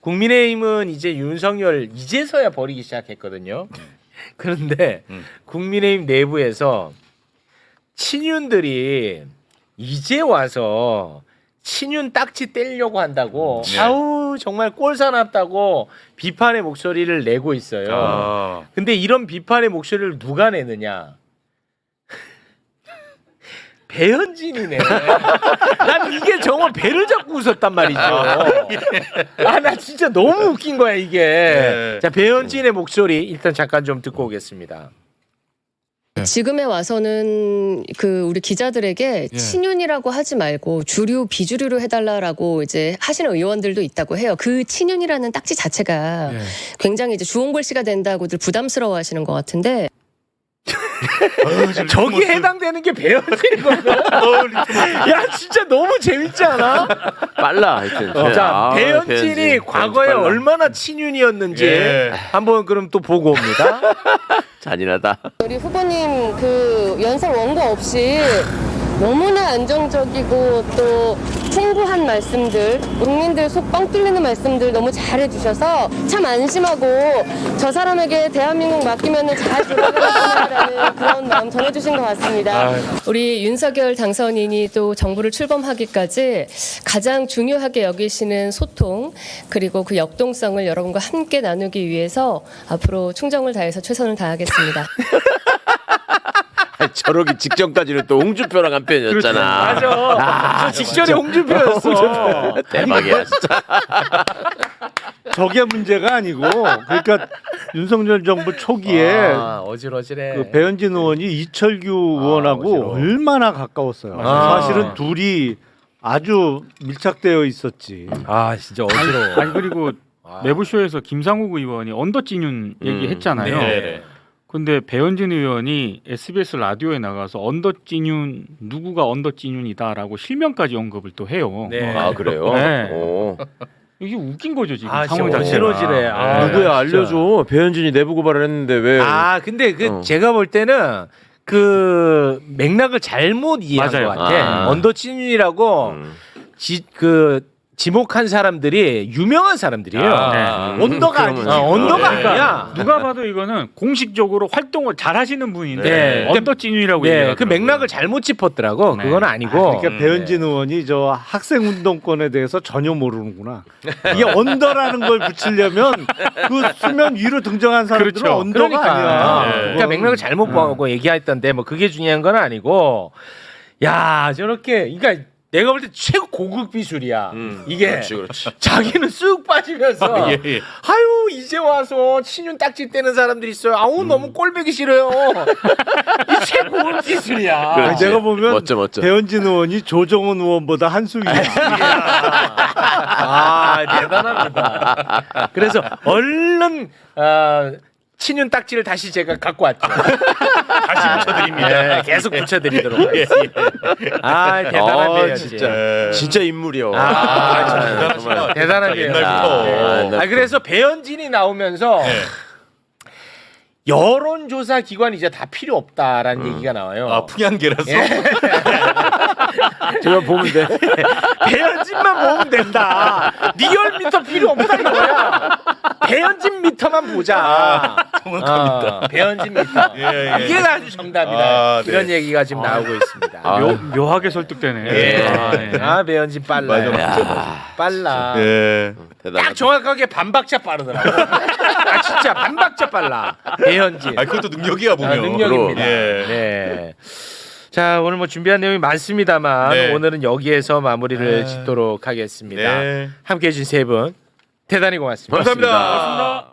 국민의힘은 이제 윤석열 이제서야 버리기 시작했거든요. 그런데 국민의힘 내부에서 친윤들이 이제 와서 친윤 딱지 떼려고 한다고 아우 정말 꼴사납다고 비판의 목소리를 내고 있어요. 근데 이런 비판의 목소리를 누가 내느냐? 배현진이네. 난 이게 정말 배를 잡고 웃었단 말이죠. 아, 나 진짜 너무 웃긴 거야 이게. 네. 자, 배현진의 목소리 일단 잠깐 좀 듣고 오겠습니다. 지금에 와서는 그 우리 기자들에게 친윤이라고 하지 말고 주류 비주류로 해달라라고 이제 하시는 의원들도 있다고 해요. 그 친윤이라는 딱지 자체가 굉장히 이제 주홍글씨가 된다고들 부담스러워하시는 것 같은데. 저기 해당되는 게 배현진이거든. 야 진짜 너무 재밌지 않아? 빨라 하여튼. 자, 배현진이 배현진 과거에 빨라. 얼마나 친윤이었는지 예. 한번 그럼 또 보고 옵니다. 잔인하다. 우리 후보님 그 연설 원고 없이 너무나 안정적이고 또 풍부한 말씀들, 국민들 속 뻥 뚫리는 말씀들 너무 잘해주셔서 참 안심하고 저 사람에게 대한민국 맡기면 잘 돌아가겠구나라는 그런 마음 전해주신 것 같습니다. 우리 윤석열 당선인이 또 정부를 출범하기까지 가장 중요하게 여기시는 소통 그리고 그 역동성을 여러분과 함께 나누기 위해서 앞으로 충정을 다해서 최선을 다하겠습니다. 저러기 직전까지는 또 홍준표랑 한 편이었잖아. 맞아. 저 직전에 홍준표였어. 대박이야 진짜. 저게 문제가 아니고 그러니까 윤석열 정부 초기에 어질어질해. 그 배현진 의원이 이철규 의원하고 어지러워. 얼마나 가까웠어요. 아. 사실은 둘이 아주 밀착되어 있었지. 아 진짜 어지러워. 아니 그리고 매부쇼에서 김상욱 의원이 언더찐윤 얘기했잖아요. 네. 근데 배현진 의원이 SBS 라디오에 나가서 언더찐윤 누구가 언더찐윤이다라고 실명까지 언급을 또 해요. 네. 아 그래요? 네. 오. 이게 웃긴 거죠 지금 아, 상황 진짜 자체가. 어지러지래. 아, 누구야 진짜. 알려줘. 배현진이 내부 고발을 했는데 왜? 아 근데 그 어. 제가 볼 때는 그 맥락을 잘못 이해한 맞아요. 것 같아. 아. 언더친윤이라고 그 지목한 사람들이 유명한 사람들이에요. 언더가 아니지. 언더가 아니야. 누가 봐도 이거는 공식적으로 활동을 잘 하시는 분인데 네. 언더찐윤이라고 네, 얘기하더라고요. 그 맥락을 잘못 짚었더라고. 네. 그건 아니고. 그러니까 배현진 의원이 저 학생 운동권에 대해서 전혀 모르는구나. 이게 언더라는 걸 붙이려면 그 수면 위로 등장한 사람들은 그렇죠. 언더가 그러니까. 아니야. 그러니까 맥락을 잘못 보고 얘기했던데 뭐 그게 중요한 건 아니고. 야 저렇게 그러니까 내가 볼 때 최고 고급 비술이야. 이게 그렇지. 자기는 쑥 빠지면서 아유 이제 와서 친윤 딱지 떼는 사람들이 있어요. 아우 너무 꼴보기 싫어요. 이 최고 고급 기술이야. 그렇지. 내가 보면 멋져. 배현진 의원이 조정은 의원보다 한 수 위야. 아 대단합니다. 그래서 얼른 친윤 딱지를 다시 제가 갖고 왔죠. 다시 붙여드립니다. 네, 계속 붙여드리도록 하겠습니다. 아 대단한 진짜 인물이요. 정말 대단한 배우. 옛날부터. 아 그래서 배현진이 나오면서 여론조사 기관이 이제 다 필요 없다라는 얘기가 나와요. 아 풍향계라서. 제가 보면 돼. 배현진만 보면 된다. 리얼미터 필요 없다 이거야. 배현진 미터만 보자. 정확합니다. 배현진 미터. 예. 이게 아주 정답이다. 아, 네. 이런 얘기가 지금 나오고 있습니다. 묘하게 설득되네. 예. 네. 배현진 빨라. 빨라. 예. 딱 정확하게 반박자 빠르더라고. 아 진짜 반박자 빨라. 배현진. 아 그것도 능력이야 보면. 능력입니다. 예. 네. 자 오늘 뭐 준비한 내용이 많습니다만 네. 오늘은 여기에서 마무리를 짓도록 하겠습니다. 네. 함께해 주신 세 분 대단히 고맙습니다. 감사합니다.